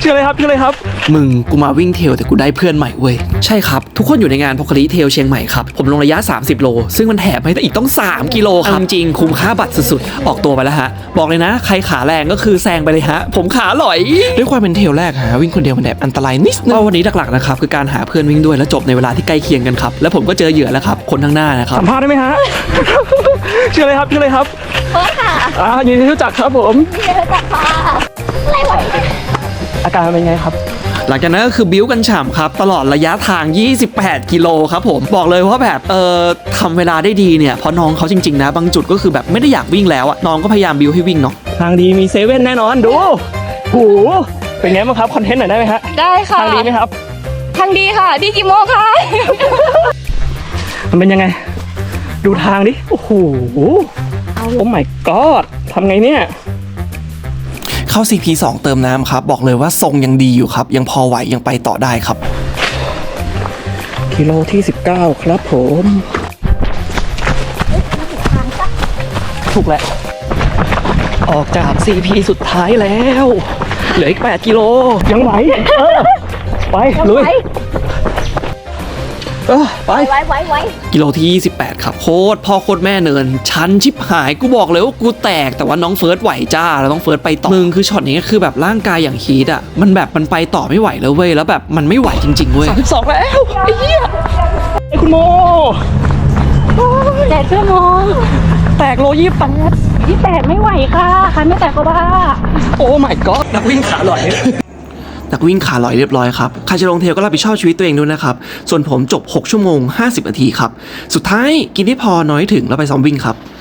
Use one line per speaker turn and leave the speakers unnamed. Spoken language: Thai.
ชื่ออะไรครับชื่ออะไรครับมึงกูมาวิ่งเทรลแต่กูได้เพื่อนใหม่เว้ยใช่ครับทุกคนอยู่ในงานพอคลีเทรลเชียงใหม่ครับผมลงระยะ30โลซึ่งมันแถมให้อีกต้อง3กิโลครับจริงคุ้มค่าบัตรสุดๆออกตัวไปแล้วฮะบอกเลยนะใครขาแรงก็คือแซงไปเลยฮะผมขาหลอยด้วยความเป็นเทรลแรกฮะวิ่งคนเดียวมันแอบอันตรายนิดนึงวันนี้หลักๆนะครับคือการหาเพื่อนวิ่งด้วยและจบในเวลาที่ใกล้เคียงกันครับแล้วผมก็เจอเหยื่อแล้วครับคนข้างหน้านะครับสัมภาษณ์ได้ไหมฮะ ชื่ออะไรครับชื่ออะไรครับ
โอ้ค่ะ
ยินดีรู้จักครับผม
ยินดีรู้จักค่ะอะไรวะ
อาการเป็นไงครับหลังจากนั้นก็คือบิ้วกันฉ่ำครับตลอดระยะทาง28กิโลครับผมบอกเลยว่าแบบทำเวลาได้ดีเนี่ยเพราะน้องเขาจริงๆนะบางจุดก็คือแบบไม่ได้อยากวิ่งแล้วอะน้องก็พยายามบิ้วให้วิ่งเนาะทางดีมีเซเว่นแน่นอนดูโหเป็นไงบ้างครับคอนเทนต์หน่อยได้ไหมฮะ
ได้ค่ะ
ทางดีไหมครับ
ทางดีค่ะดีกี่โมงคะ
มันเป็นยังไงดูทางดิโอ้โหโอ้ my god ทำไงเนี่ยเข้า CP2 เติมน้ำครับบอกเลยว่าทรงยังดีอยู่ครับยังพอไหวยังไปต่อได้ครับกิโลที่19ครับผมถูกแล้วออกจาก CP สุดท้ายแล้วเหลืออีก8กิโลยังไหวไปลุยไปกิโลที่28ครับโคตรพ่อโคตรแม่เนินชันชิบหายกูบอกเลยว่ากูแตกแต่ว่าน้องเฟิร์สไหวจ้าแล้วน้องเฟิร์สไปต่อมึงคือช็อตนี้คือแบบร่างกายอย่างฮีทอ่ะมันแบบมันไปต่อไม่ไหวแล้วเว้ยแล้วแบบมันไม่ไหวจริงๆเว้ย32แล้วไอ้เหี้ยไอ้คุณโม
8 ชั่วโมง
แตกโล
28ไม่ไหวค่ะใครไม่แตกก็บ้า
โอ้ my god นักวิ่งขาลอยนักวิ่งขาลอยเรียบร้อยครับใครจะลงเทรลก็รับผิดชอบชีวิตตัวเองด้วยนะครับส่วนผมจบ6 ชั่วโมง 50 นาทีครับสุดท้ายกินได้พอน้อยถึงแล้วไปซ้อมวิ่งครับ